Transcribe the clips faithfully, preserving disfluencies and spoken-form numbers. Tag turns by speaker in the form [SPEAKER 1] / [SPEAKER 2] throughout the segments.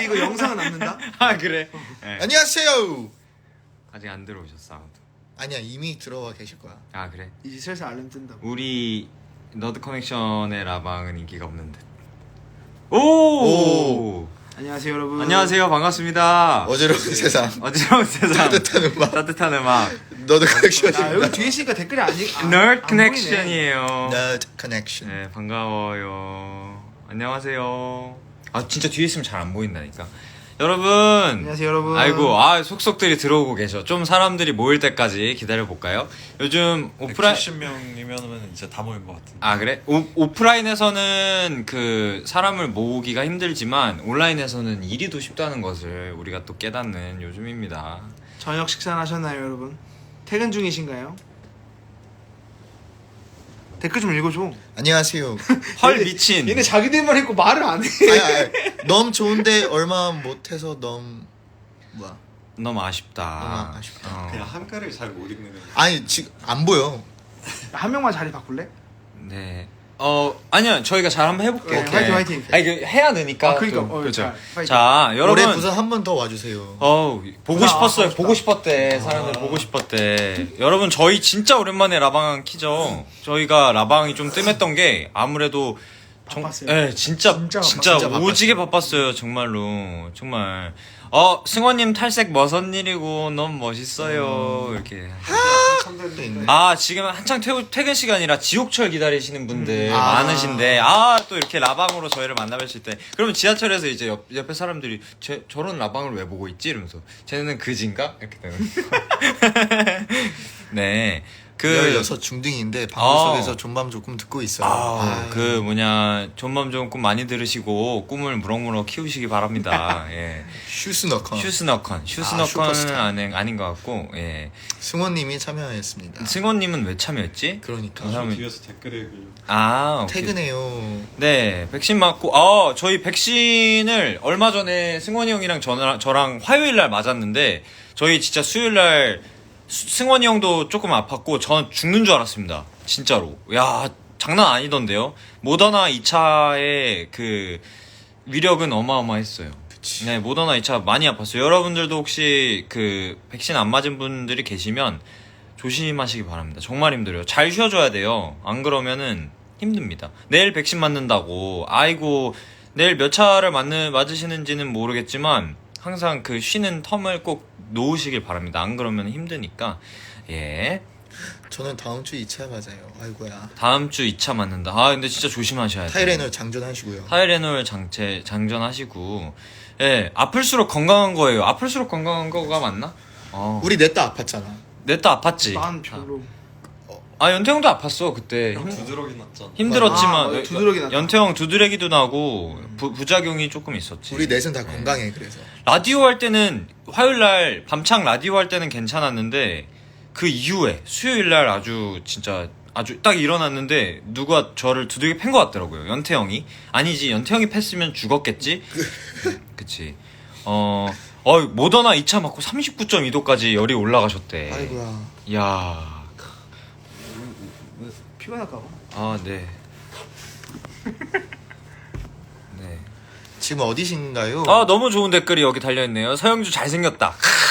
[SPEAKER 1] 이거 영상은 남는다.
[SPEAKER 2] 아 그래. 네.
[SPEAKER 3] 안녕하세요.
[SPEAKER 2] 아직 안 들어오셨어 아무도.
[SPEAKER 3] 아니야 이미 들어와 계실 거야.
[SPEAKER 2] 아 그래.
[SPEAKER 1] 이제 슬슬 알람 뜬다고.
[SPEAKER 2] 우리 너드 커넥션의 라방은 인기가 없는 듯. 오.
[SPEAKER 3] 오.
[SPEAKER 1] 안녕하세요 여러분.
[SPEAKER 2] 안녕하세요 반갑습니다.
[SPEAKER 3] 어지러운 세상.
[SPEAKER 2] 어지러운 세상.
[SPEAKER 3] 따뜻한 음악.
[SPEAKER 2] 따뜻한 음악.
[SPEAKER 3] 너드
[SPEAKER 1] 아
[SPEAKER 3] 커넥션입니다.
[SPEAKER 1] 여기 뒤에 있으니까 댓글이 아니. 아,
[SPEAKER 2] Nerd
[SPEAKER 1] 안
[SPEAKER 2] 커넥션이에요.
[SPEAKER 3] 너드 커넥션.
[SPEAKER 2] 네 반가워요. 안녕하세요. 아 진짜 뒤에 있으면 잘 안 보인다니까. 여러분.
[SPEAKER 1] 안녕하세요 여러분.
[SPEAKER 2] 아이고 아 속속들이 들어오고 계셔. 좀 사람들이 모일 때까지 기다려 볼까요? 요즘 오프라인
[SPEAKER 4] 백칠십 명이면은 이제 다 모인 것 같은데.
[SPEAKER 2] 아 그래? 오, 오프라인에서는 그 사람을 모으기가 힘들지만 온라인에서는 일이 더 쉽다는 것을 우리가 또 깨닫는 요즘입니다.
[SPEAKER 1] 저녁 식사는 하셨나요 여러분? 퇴근 중이신가요? 댓글 좀 읽어줘.
[SPEAKER 3] 안녕하세요.
[SPEAKER 2] 헐
[SPEAKER 1] 얘네-
[SPEAKER 2] 미친.
[SPEAKER 1] 얘네 자기들만 읽고 말을 안 해.
[SPEAKER 3] 아니, 아니, 너무 좋은데 얼마 못해서 너무 뭐야?
[SPEAKER 2] 너무 아쉽다.
[SPEAKER 3] 너무 아쉽다.
[SPEAKER 2] 어.
[SPEAKER 4] 그냥 한가를 잘 못 읽는 거.
[SPEAKER 3] 아니 지금 안 보여.
[SPEAKER 1] 한 명만 자리 바꿀래?
[SPEAKER 2] 네. 어 아니요 저희가 잘 한번 해볼게요.
[SPEAKER 1] 네, 화이팅, 화이팅.
[SPEAKER 2] 아니 그 해야 되니까.
[SPEAKER 1] 아, 그러니까.
[SPEAKER 2] 또.
[SPEAKER 1] 어,
[SPEAKER 2] 그렇죠.
[SPEAKER 1] 잘, 화이팅.
[SPEAKER 2] 자
[SPEAKER 3] 올해
[SPEAKER 2] 여러분.
[SPEAKER 3] 부산 한 번 더 와주세요.
[SPEAKER 2] 어우 보고
[SPEAKER 1] 아,
[SPEAKER 2] 싶었어요.
[SPEAKER 1] 아,
[SPEAKER 2] 보고 싶었대. 사람들 보고 싶었대. 여러분 저희 진짜 오랜만에 라방 키죠. 저희가 라방이 좀 뜸했던 게 아무래도 정,
[SPEAKER 1] 바빴어요.
[SPEAKER 2] 예, 진짜
[SPEAKER 1] 진짜
[SPEAKER 2] 진짜,
[SPEAKER 1] 바빴어요.
[SPEAKER 3] 진짜
[SPEAKER 2] 오지게 바빴어요. 정말로 정말. 어 승원님 탈색 머선 일이고 너무 멋있어요. 이렇게.
[SPEAKER 4] 한참
[SPEAKER 3] 또 있네.
[SPEAKER 4] 됐는데.
[SPEAKER 2] 아 지금 한창 퇴, 퇴근 시간이라 지옥철 기다리시는 분들
[SPEAKER 3] 음. 아.
[SPEAKER 2] 많으신데 아 또 이렇게 라방으로 저희를 만나뵐 때 그러면 지하철에서 이제 옆, 옆에 사람들이 쟤, 저런 라방을 왜 보고 있지 이러면서 쟤는 그진가 이렇게 되는 네그
[SPEAKER 3] 열여섯 중딩인데 방구
[SPEAKER 2] 아.
[SPEAKER 3] 속에서 존밤 조금 듣고 있어요.
[SPEAKER 2] 아,
[SPEAKER 3] 아유.
[SPEAKER 2] 그 뭐냐 존맘 좋은 꿈 많이 들으시고 꿈을 무럭무럭 키우시기 바랍니다. 예.
[SPEAKER 3] 슈스너컨.
[SPEAKER 2] 슈스너컨
[SPEAKER 3] 아,
[SPEAKER 2] 슈스너컨은
[SPEAKER 3] 슈퍼스타.
[SPEAKER 2] 아닌 아닌 것 같고 예.
[SPEAKER 3] 승원님이 참여했습니다.
[SPEAKER 2] 승원님은 왜 참여했지?
[SPEAKER 3] 그러니까
[SPEAKER 2] 그 사람이-
[SPEAKER 4] 뒤에서 댓글 읽으려고.
[SPEAKER 2] 아 오케이.
[SPEAKER 3] 퇴근해요.
[SPEAKER 2] 네, 백신 맞고, 어, 저희 백신을 얼마 전에 승원이 형이랑 저랑, 저랑 화요일 날 맞았는데, 저희 진짜 수요일 날 수- 승원이 형도 조금 아팠고, 전 죽는 줄 알았습니다. 진짜로. 야, 장난 아니던데요? 모더나 이 차의 그 위력은 어마어마했어요.
[SPEAKER 3] 그치.
[SPEAKER 2] 네, 모더나 이 차 많이 아팠어요. 여러분들도 혹시 그 백신 안 맞은 분들이 계시면 조심하시기 바랍니다. 정말 힘들어요. 잘 쉬어줘야 돼요. 안 그러면은 힘듭니다. 내일 백신 맞는다고 아이고 내일 몇 차를 맞는, 맞으시는지는 모르겠지만 항상 그 쉬는 텀을 꼭 놓으시길 바랍니다. 안 그러면 힘드니까 예
[SPEAKER 3] 저는 다음 주 이 차 맞아요. 아이고야.
[SPEAKER 2] 다음 주 이 차 맞는다. 아 근데 진짜 조심하셔야 돼요.
[SPEAKER 3] 타이레놀 장전하시고요.
[SPEAKER 2] 타이레놀 장체 장전하시고 예 아플수록 건강한 거예요. 아플수록 건강한 거가 맞나? 어.
[SPEAKER 3] 우리 넷다 아팠잖아.
[SPEAKER 2] 냈다 아팠지.
[SPEAKER 1] 난 별로.
[SPEAKER 2] 아 연태형도 아팠어 그때.
[SPEAKER 4] 형
[SPEAKER 2] 힘-
[SPEAKER 4] 두드러기 났잖아.
[SPEAKER 2] 힘들었지만
[SPEAKER 1] 아, 맞아. 두드러기 났다.
[SPEAKER 2] 연태형 두드러기도 나고 부, 부작용이 조금 있었지.
[SPEAKER 3] 우리 넷은 다
[SPEAKER 2] 네.
[SPEAKER 3] 건강해 그래서.
[SPEAKER 2] 라디오 할 때는 화요일 날 밤창 라디오 할 때는 괜찮았는데 그 이후에 수요일 날 아주 진짜 아주 딱 일어났는데 누가 저를 두들겨 팬 것 같더라고요. 연태형이 아니지 연태형이 팼으면 죽었겠지. 그치. 어, 어 모더나 이 차 맞고 삼십구 점 이 도까지 열이 올라가셨대.
[SPEAKER 3] 아이고야.
[SPEAKER 2] 야.
[SPEAKER 1] 피곤할까 봐.
[SPEAKER 2] 아 네. 네.
[SPEAKER 3] 지금 어디신가요?
[SPEAKER 2] 아 너무 좋은 댓글이 여기 달려있네요. 서영주 잘생겼다.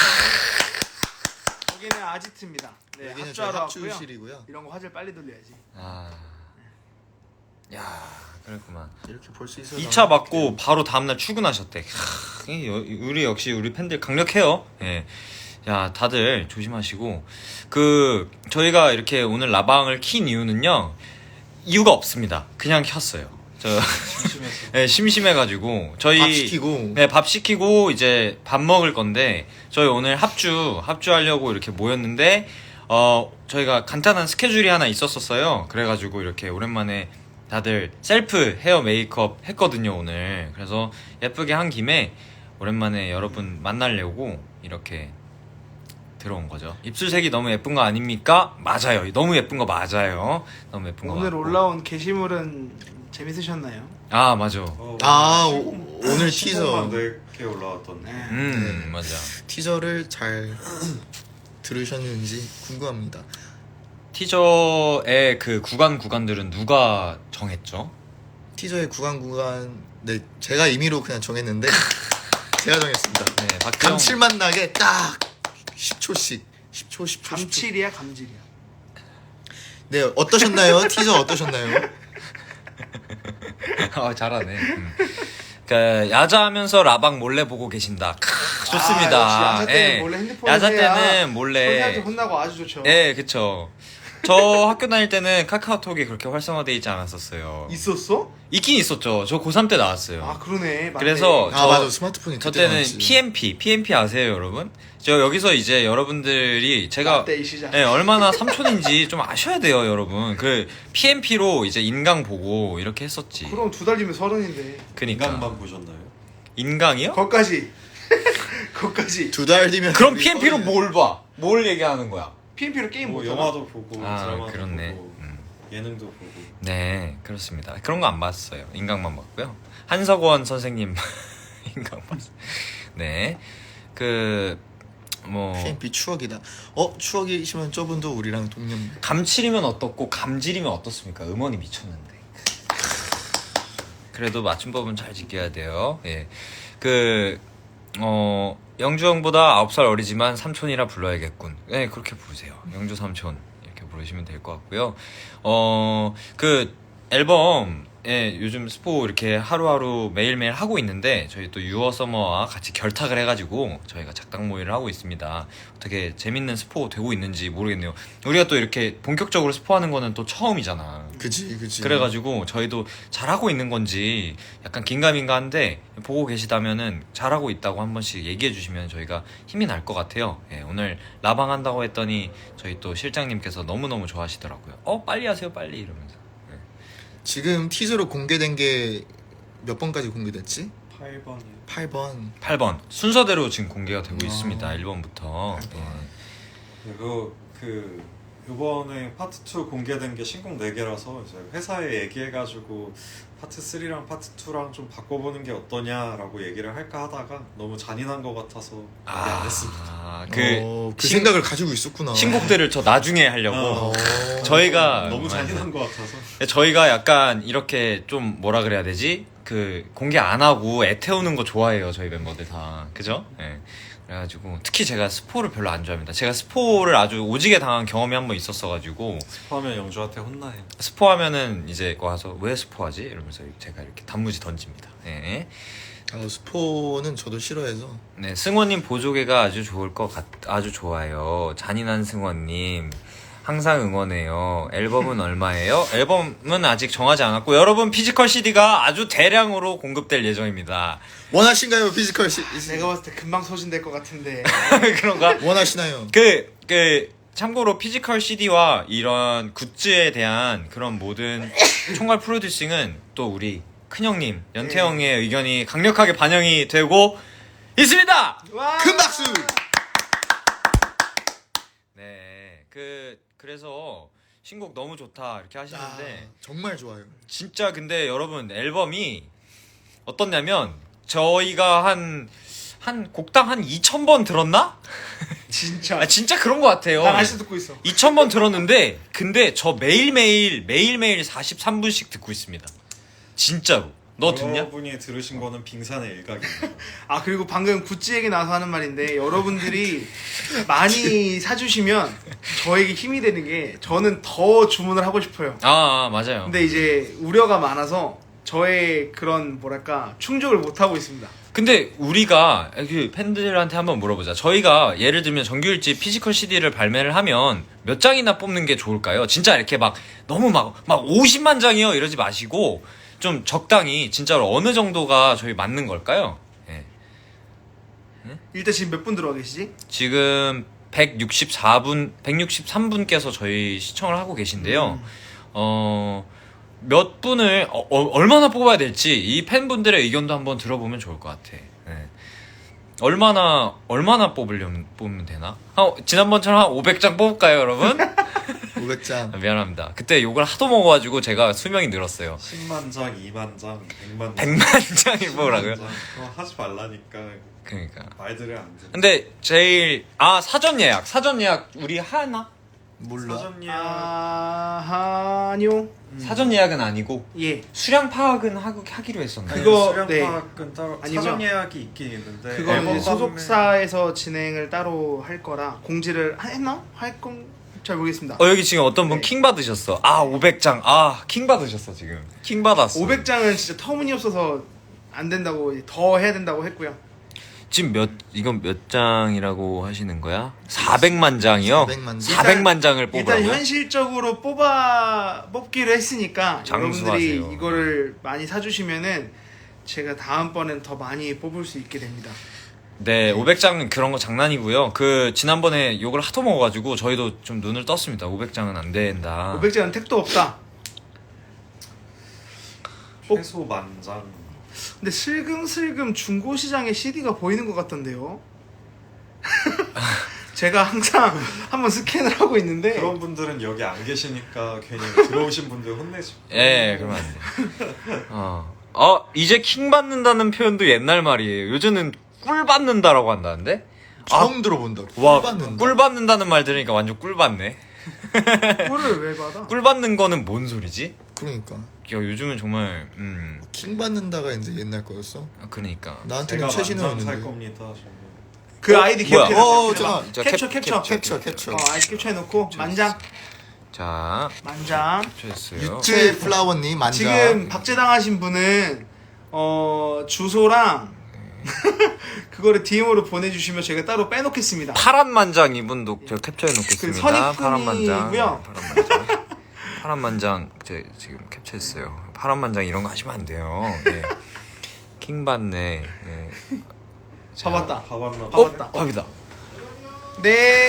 [SPEAKER 1] 여기는 아지트입니다. 네,
[SPEAKER 3] 여기는 저희
[SPEAKER 1] 합주하러 왔고요.
[SPEAKER 3] 합주실이고요.
[SPEAKER 1] 이런 거 화질 빨리 돌려야지.
[SPEAKER 2] 아, 야, 그랬구만.
[SPEAKER 3] 이렇게 볼 수 있어서
[SPEAKER 2] 이 차 맞고 바로 다음날 출근하셨대. 크, 이 여- 우리 역시 우리 팬들 강력해요. 예. 야, 다들 조심하시고 그 저희가 이렇게 오늘 라방을 킨 이유는요. 이유가 없습니다. 그냥 켰어요. 저
[SPEAKER 4] 심심해서.
[SPEAKER 2] 네, 심심해가지고 저희
[SPEAKER 3] 밥 시키고.
[SPEAKER 2] 네, 밥 시키고 이제 밥 먹을 건데 저희 오늘 합주 합주하려고 이렇게 모였는데 어 저희가 간단한 스케줄이 하나 있었었어요. 그래가지고 이렇게 오랜만에 다들 셀프 헤어 메이크업 했거든요 오늘. 그래서 예쁘게 한 김에 오랜만에 여러분 만나려고 이렇게 들어온 거죠. 입술색이 너무 예쁜 거 아닙니까? 맞아요. 너무 예쁜 거 맞아요. 너무 예쁜 거
[SPEAKER 1] 오늘
[SPEAKER 2] 맞고.
[SPEAKER 1] 올라온 게시물은 재밌으셨나요?
[SPEAKER 2] 아 맞아.
[SPEAKER 4] 어,
[SPEAKER 3] 아 오, 오늘
[SPEAKER 4] 시선만
[SPEAKER 3] 티저
[SPEAKER 4] 네개 올라왔던데.
[SPEAKER 1] 네.
[SPEAKER 2] 음 맞아.
[SPEAKER 3] 티저를 잘 들으셨는지 궁금합니다.
[SPEAKER 2] 티저의 그 구간 구간들은 누가 정했죠?
[SPEAKER 3] 티저의 구간 구간 네 제가 임의로 그냥 정했는데 제가 정했습니다.
[SPEAKER 2] 네, 박형.
[SPEAKER 3] 감칠맛 나게 딱 십 초씩 십 초 십 초 십 초.
[SPEAKER 1] 감칠이야 감질이야.
[SPEAKER 3] 네, 어떠셨나요? 티저 어떠셨나요?
[SPEAKER 2] 아 잘하네. 음. 그 야자하면서 라방 몰래 보고 계신다. 크, 좋습니다.
[SPEAKER 1] 아, 역시 야자 때는
[SPEAKER 2] 예.
[SPEAKER 1] 몰래 핸드폰을
[SPEAKER 2] 야자
[SPEAKER 1] 해야
[SPEAKER 2] 때는 몰래.
[SPEAKER 1] 선생님한테 혼나고 아주 좋죠.
[SPEAKER 2] 예, 그쵸. 저 학교 다닐 때는 카카오톡이 그렇게 활성화돼 있지 않았었어요.
[SPEAKER 1] 있었어?
[SPEAKER 2] 있긴 있었죠. 저 고삼 때 나왔어요.
[SPEAKER 1] 아 그러네. 맞네.
[SPEAKER 2] 그래서
[SPEAKER 3] 아
[SPEAKER 2] 저-
[SPEAKER 3] 맞아, 스마트폰이
[SPEAKER 2] 저
[SPEAKER 3] 그때
[SPEAKER 2] 때는
[SPEAKER 3] 나왔지.
[SPEAKER 2] 피엠피, 피엠피 아세요, 여러분? 저 여기서 이제 여러분들이 제가
[SPEAKER 1] 라떼 이 시작.
[SPEAKER 2] 네, 얼마나 삼촌인지 좀 아셔야 돼요, 여러분. 그 피엠피로 이제 인강 보고 이렇게 했었지.
[SPEAKER 1] 그럼 두 달 뒤면 서른인데.
[SPEAKER 2] 그니까
[SPEAKER 4] 인간만 보셨나요?
[SPEAKER 2] 인강이요?
[SPEAKER 1] 거기까지. 거기까지.
[SPEAKER 3] 두 달 뒤면
[SPEAKER 2] 그럼
[SPEAKER 3] 우리
[SPEAKER 2] 피엠피로
[SPEAKER 3] 서른.
[SPEAKER 2] 뭘 봐? 뭘 얘기하는 거야?
[SPEAKER 1] 피엠피로 게임
[SPEAKER 4] 뭐
[SPEAKER 1] 못
[SPEAKER 4] 영화도 보고
[SPEAKER 2] 아,
[SPEAKER 4] 드라마도
[SPEAKER 2] 그렇네.
[SPEAKER 4] 보고
[SPEAKER 2] 음.
[SPEAKER 4] 예능도 보고.
[SPEAKER 2] 네, 그렇습니다. 그런 거 안 봤어요. 인강만 봤고요. 한석원 선생님 인강 봤어요. 네, 그 뭐
[SPEAKER 3] 피엠피 추억이다. 어 추억이시면 저분도 우리랑 동년.
[SPEAKER 2] 감칠이면 어떻고 감질이면 어떻습니까? 음원이 미쳤는데. 그래도 맞춤법은 잘 지켜야 돼요. 예, 그 어, 영주 형보다 아홉 살 어리지만 삼촌이라 불러야겠군. 네, 그렇게 부르세요. 영주 삼촌 이렇게 부르시면 될 것 같고요. 어, 그 앨범에 요즘 스포 이렇게 하루하루 매일매일 하고 있는데 저희 또 유어 서머와 같이 결탁을 해가지고 저희가 작당 모의를 하고 있습니다. 어떻게 재밌는 스포 되고 있는지 모르겠네요. 우리가 또 이렇게 본격적으로 스포하는 거는 또 처음이잖아.
[SPEAKER 3] 그지 그지.
[SPEAKER 2] 그래가지고 저희도 잘하고 있는 건지 약간 긴가민가한데 보고 계시다면은 잘하고 있다고 한 번씩 얘기해 주시면 저희가 힘이 날 것 같아요. 예, 오늘 라방 한다고 했더니 저희 또 실장님께서 너무너무 좋아하시더라고요. 어 빨리 하세요 빨리 이러면서. 예.
[SPEAKER 3] 지금 티저로 공개된 게 몇 번까지 공개됐지?
[SPEAKER 4] 팔 번이
[SPEAKER 3] 팔 번.
[SPEAKER 2] 팔 번 순서대로 지금 공개가 되고
[SPEAKER 3] 아.
[SPEAKER 2] 있습니다. 일 번부터.
[SPEAKER 3] 팔 번.
[SPEAKER 2] 예.
[SPEAKER 4] 그리고 그 이번에 파트 투 공개된 게 신곡 네 개라서 이제 회사에 얘기해가지고 파트 쓰리랑 파트 투랑 좀 바꿔보는 게 어떠냐라고 얘기를 할까 하다가 너무 잔인한 것 같아서 얘기 안 했습니다.
[SPEAKER 2] 아, 그,
[SPEAKER 3] 어, 그
[SPEAKER 2] 신-
[SPEAKER 3] 생각을 가지고 있었구나.
[SPEAKER 2] 신곡들을 저 나중에 하려고.
[SPEAKER 4] 어.
[SPEAKER 2] 저희가
[SPEAKER 4] 너무 잔인한 것 같아서.
[SPEAKER 2] 저희가 약간 이렇게 좀 뭐라 그래야 되지? 그 공개 안 하고 애 태우는 거 좋아해요. 저희 멤버들 다. 그죠? 예. 그래가지고 특히 제가 스포를 별로 안 좋아합니다. 제가 스포를 아주 오지게 당한 경험이 한 번 있었어가지고
[SPEAKER 4] 스포하면 영주한테 혼나요.
[SPEAKER 2] 스포하면은 이제 와서 왜 스포하지? 이러면서 제가 이렇게 단무지 던집니다. 예.
[SPEAKER 3] 아, 스포는 저도 싫어해서.
[SPEAKER 2] 네, 승원님 보조개가 아주 좋을 것 같, 아주 좋아요. 잔인한 승원님. 항상 응원해요. 앨범은 얼마예요? 앨범은 아직 정하지 않았고, 여러분 피지컬 씨디가 아주 대량으로 공급될 예정입니다.
[SPEAKER 3] 원하신가요, 피지컬 씨?
[SPEAKER 1] 내가 봤을 때 금방 소진될 것 같은데.
[SPEAKER 2] 그런가?
[SPEAKER 3] 원하시나요?
[SPEAKER 2] 그, 그, 참고로 피지컬 씨디와 이런 굿즈에 대한 그런 모든 총괄 프로듀싱은 또 우리 큰형님, 연태형의 의견이 강력하게 반영이 되고 있습니다!
[SPEAKER 1] 와!
[SPEAKER 3] 큰 박수!
[SPEAKER 2] 네, 그 그래서 신곡 너무 좋다 이렇게
[SPEAKER 3] 아,
[SPEAKER 2] 하시는데
[SPEAKER 3] 정말 좋아요.
[SPEAKER 2] 진짜 근데 여러분 앨범이 어떻냐면 저희가 한 한 곡당 한 이천 번 들었나?
[SPEAKER 1] 진짜.
[SPEAKER 2] 아 진짜 그런 것 같아요.
[SPEAKER 1] 난 아직도 듣고 있어.
[SPEAKER 2] 이천 번 들었는데 근데 저 매일매일 매일매일 사십삼 분씩 듣고 있습니다. 진짜로. 너 듣냐?
[SPEAKER 4] 여러분이 들으신 거는 빙산의 일각입니다.
[SPEAKER 1] 아 그리고 방금 굿즈 얘기 나와서 하는 말인데 여러분들이 많이 사주시면 저에게 힘이 되는 게 저는 더 주문을 하고 싶어요.
[SPEAKER 2] 아, 아 맞아요.
[SPEAKER 1] 근데 이제 우려가 많아서 저의 그런 뭐랄까 충족을 못 하고 있습니다.
[SPEAKER 2] 근데 우리가 그 팬들한테 한번 물어보자. 저희가 예를 들면 정규일집 피지컬 씨디를 발매를 하면 몇 장이나 뽑는 게 좋을까요? 진짜 이렇게 막 너무 막 막 오십만 장이요 이러지 마시고 좀 적당히 진짜로 어느 정도가 저희 맞는 걸까요? 예.
[SPEAKER 1] 일단 지금 몇 분 들어와 계시지?
[SPEAKER 2] 지금 백육십사 분, 백육십삼 분께서 저희 시청을 하고 계신데요. 어, 몇 분을 어, 어, 얼마나 뽑아야 될지 이 팬분들의 의견도 한번 들어보면 좋을 것 같아. 예. 얼마나 얼마나 뽑으려면 뽑으면 되나? 한, 지난번처럼 한 오백 장 뽑을까요, 여러분?
[SPEAKER 3] 오백 장.
[SPEAKER 2] 아, 미안합니다. 그때 욕을 하도 먹어가지고 제가 수명이 늘었어요.
[SPEAKER 4] 십만 장, 이만 장, 백만 장.
[SPEAKER 2] 백만 장을 뽑으라고요?
[SPEAKER 4] 장. 그거 하지 말라니까
[SPEAKER 2] 그러니까.
[SPEAKER 4] 말들을 안 듣는.
[SPEAKER 2] 근데 제일 아 사전 예약, 사전 예약 우리 하나?
[SPEAKER 3] 몰라.
[SPEAKER 4] 사전 예약
[SPEAKER 1] 아 아니요.
[SPEAKER 2] 사전 예약은 아니고
[SPEAKER 1] 예.
[SPEAKER 2] 수량 파악은 하고 하기로 했었나요?
[SPEAKER 1] 그거-
[SPEAKER 4] 수량
[SPEAKER 1] 네.
[SPEAKER 4] 파악은 따로
[SPEAKER 1] 아니고요.
[SPEAKER 4] 사전 예약이 있긴 있는데
[SPEAKER 1] 그거는
[SPEAKER 4] 앨범
[SPEAKER 1] 이제 소속사에서 진행을 따로 할 거라 공지를 했나? 할 건 잘 모르겠습니다.
[SPEAKER 2] 어 여기 지금 어떤 분
[SPEAKER 1] 네.
[SPEAKER 2] 킹 받으셨어. 아 오백 장. 아 킹 받으셨어 지금. 킹 받았어.
[SPEAKER 1] 오백 장은 진짜 터무니없어서 안 된다고 더 해야 된다고 했고요.
[SPEAKER 2] 지금 몇 이건 몇 장이라고 하시는 거야? 사백만 장이요?
[SPEAKER 3] 사백만 장.
[SPEAKER 2] 사백만 장을
[SPEAKER 1] 일단
[SPEAKER 2] 뽑으라고요?
[SPEAKER 1] 현실적으로 뽑아 뽑기로 했으니까
[SPEAKER 2] 장수하세요.
[SPEAKER 1] 여러분들이 이거를 많이 사주시면은 제가 다음번엔 더 많이 뽑을 수 있게 됩니다.
[SPEAKER 2] 네, 오백 장은 그런 거 장난이고요. 그 지난번에 욕을 하도 먹어가지고 저희도 좀 눈을 떴습니다. 오백 장은 안 된다.
[SPEAKER 1] 오백 장은 택도 없다. 어?
[SPEAKER 4] 최소 만장.
[SPEAKER 1] 근데 슬금슬금 중고 시장에 씨디가 보이는 것 같던데요. 제가 항상 한번 스캔을 하고 있는데
[SPEAKER 4] 그런 분들은 여기 안 계시니까 괜히 들어오신 분들 혼내죠.
[SPEAKER 2] 예, 그러면 안 돼. 어, 어 이제 킹 받는다는 표현도 옛날 말이에요. 요즘은 꿀 받는다라고 한다는데?
[SPEAKER 3] 처음 들어본다.
[SPEAKER 2] 와,
[SPEAKER 3] 꿀 받는다.
[SPEAKER 2] 꿀 받는다는 말 들으니까 완전 꿀 받네.
[SPEAKER 1] 꿀을 왜 받아?
[SPEAKER 2] 꿀 받는 거는 뭔 소리지?
[SPEAKER 3] 그러니까
[SPEAKER 2] 야, 요즘은 정말 음,
[SPEAKER 3] 킹 받는다가 이제 옛날 거였어.
[SPEAKER 2] 아, 그러니까.
[SPEAKER 3] 나한테는
[SPEAKER 4] 제가 만장 살
[SPEAKER 3] 최신형이었는데.
[SPEAKER 4] 겁니다. 저는.
[SPEAKER 1] 그 아이디
[SPEAKER 2] 뭐야?
[SPEAKER 1] 기억해.
[SPEAKER 3] 어, 잠깐.
[SPEAKER 2] 자,
[SPEAKER 1] 캡처
[SPEAKER 2] 캡-
[SPEAKER 1] 캡처
[SPEAKER 3] 캡처 캡처.
[SPEAKER 1] 어, 아이디 캡처해놓고 만장
[SPEAKER 2] 자,
[SPEAKER 1] 만장.
[SPEAKER 2] 캡처했어요.
[SPEAKER 3] 유채 플라워님 만장.
[SPEAKER 1] 지금 박제당하신 분은 어 주소랑 그거를 디엠으로 보내주시면 제가 따로 빼놓겠습니다.
[SPEAKER 2] 파란 만장 이분도 제가 캡처해 놓겠습니다.
[SPEAKER 1] 그
[SPEAKER 2] 파란 만장.
[SPEAKER 1] 선입금이고요.
[SPEAKER 2] 파란 만장. 파란 만장 제 지금 캡처했어요. 파란 만장 이런 거 하시면 안 돼요. 네. 킹 받네. 네. 자,
[SPEAKER 1] 봐봤다.
[SPEAKER 4] 봐봤나?
[SPEAKER 1] 봐봤다.
[SPEAKER 2] 밥이다.
[SPEAKER 1] 네.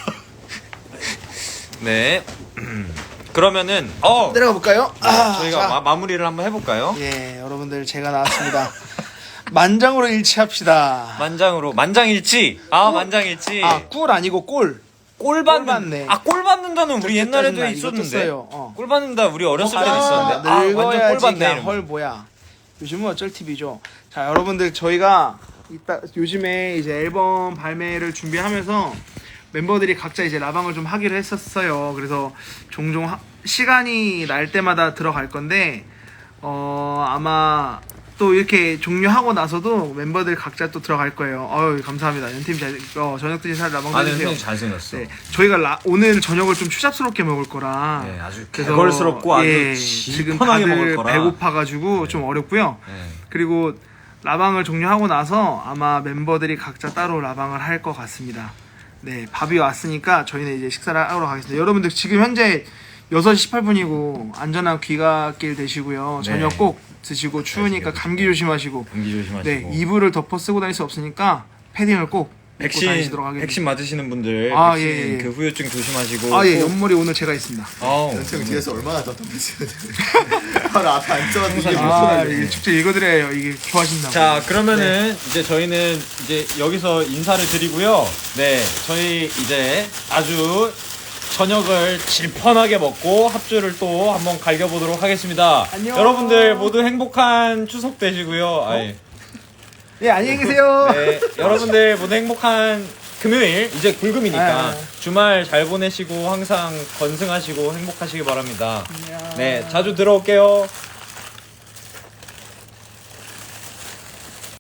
[SPEAKER 2] 네. 그러면은 어
[SPEAKER 1] 내려가 볼까요? 아,
[SPEAKER 2] 저희가
[SPEAKER 1] 자.
[SPEAKER 2] 마, 마무리를 한번 해볼까요?
[SPEAKER 1] 예, 여러분들 제가 나왔습니다. 만장으로 일치합시다.
[SPEAKER 2] 만장으로 만장일치. 아 만장일치.
[SPEAKER 1] 아, 꿀 아니고 꼴.
[SPEAKER 2] 꼴
[SPEAKER 1] 꿀
[SPEAKER 2] 받는.
[SPEAKER 1] 받네.
[SPEAKER 2] 아 꼴 받는다는 우리 옛날에도
[SPEAKER 1] 짜증나. 이것도
[SPEAKER 2] 있었는데.
[SPEAKER 1] 써요. 어.
[SPEAKER 2] 꼴 받는다 우리 어렸을 때도
[SPEAKER 1] 아,
[SPEAKER 2] 있었는데. 아 완전 꼴
[SPEAKER 1] 늙어야지
[SPEAKER 2] 받네.
[SPEAKER 1] 그냥
[SPEAKER 2] 이러면서.
[SPEAKER 1] 헐 뭐야. 요즘은 어쩔 티비죠. 자, 여러분들 저희가 이따 요즘에 이제 앨범 발매를 준비하면서 멤버들이 각자 이제 라방을 좀 하기로 했었어요. 그래서 종종 하, 시간이 날 때마다 들어갈 건데 어 아마 또 이렇게 종료하고 나서도 멤버들 각자 또 들어갈 거예요. 어유 감사합니다. 연팀 잘 어, 저녁 드신 살 라방
[SPEAKER 2] 아,
[SPEAKER 1] 해주세요.
[SPEAKER 2] 네, 잘생겼어.
[SPEAKER 1] 네, 저희가 라, 오늘 저녁을 좀 추잡스럽게 먹을 거라.
[SPEAKER 2] 네, 아주
[SPEAKER 1] 그래서,
[SPEAKER 2] 개걸스럽고 아주
[SPEAKER 1] 예, 지금
[SPEAKER 2] 시원하게
[SPEAKER 1] 다들
[SPEAKER 2] 먹을 거라.
[SPEAKER 1] 배고파가지고 좀 어렵고요.
[SPEAKER 2] 네.
[SPEAKER 1] 그리고 라방을 종료하고 나서 아마 멤버들이 각자 따로 라방을 할 것 같습니다. 네, 밥이 왔으니까 저희는 이제 식사를 하러 가겠습니다. 여러분들 지금 현재 여섯 시 십팔 분이고 안전한 귀갓길 되시고요.
[SPEAKER 2] 네.
[SPEAKER 1] 저녁 꼭 드시고 추우니까 감기 조심하시고.
[SPEAKER 2] 감기 조심하시고.
[SPEAKER 1] 네, 이불을 덮어 쓰고 다닐 수 없으니까 패딩을 꼭 입고
[SPEAKER 2] 백신
[SPEAKER 1] 다니시도록 하겠습니다.
[SPEAKER 2] 백신 맞으시는 분들
[SPEAKER 1] 아,
[SPEAKER 2] 백신
[SPEAKER 1] 예, 예.
[SPEAKER 2] 그 후유증 조심하시고.
[SPEAKER 1] 아, 예,
[SPEAKER 2] 꼭-
[SPEAKER 1] 옆머리 오늘 제가 있습니다.
[SPEAKER 2] 아우,
[SPEAKER 3] 연청 뒤에서 얼마나 답답했어요. 바로 앞에 앉아가지고 이게
[SPEAKER 2] 항상
[SPEAKER 1] 아,
[SPEAKER 3] 무슨
[SPEAKER 1] 이게 축제 읽어드려요. 이게 좋아하신다고.
[SPEAKER 2] 자 그러면은 이제 저희는 이제 여기서 인사를 드리고요. 네, 저희 이제 아주 저녁을 질펀하게 먹고 합주를 또 한번 갈겨보도록 하겠습니다.
[SPEAKER 1] 안녕.
[SPEAKER 2] 여러분들 모두 행복한 추석 되시고요. 아이,
[SPEAKER 1] 예, 안녕히 계세요.
[SPEAKER 2] 네, 여러분들 모두 행복한 금요일 이제 불금이니까
[SPEAKER 1] 아.
[SPEAKER 2] 주말 잘 보내시고 항상 건승하시고 행복하시기 바랍니다.
[SPEAKER 1] 안녕.
[SPEAKER 2] 네, 자주 들어올게요.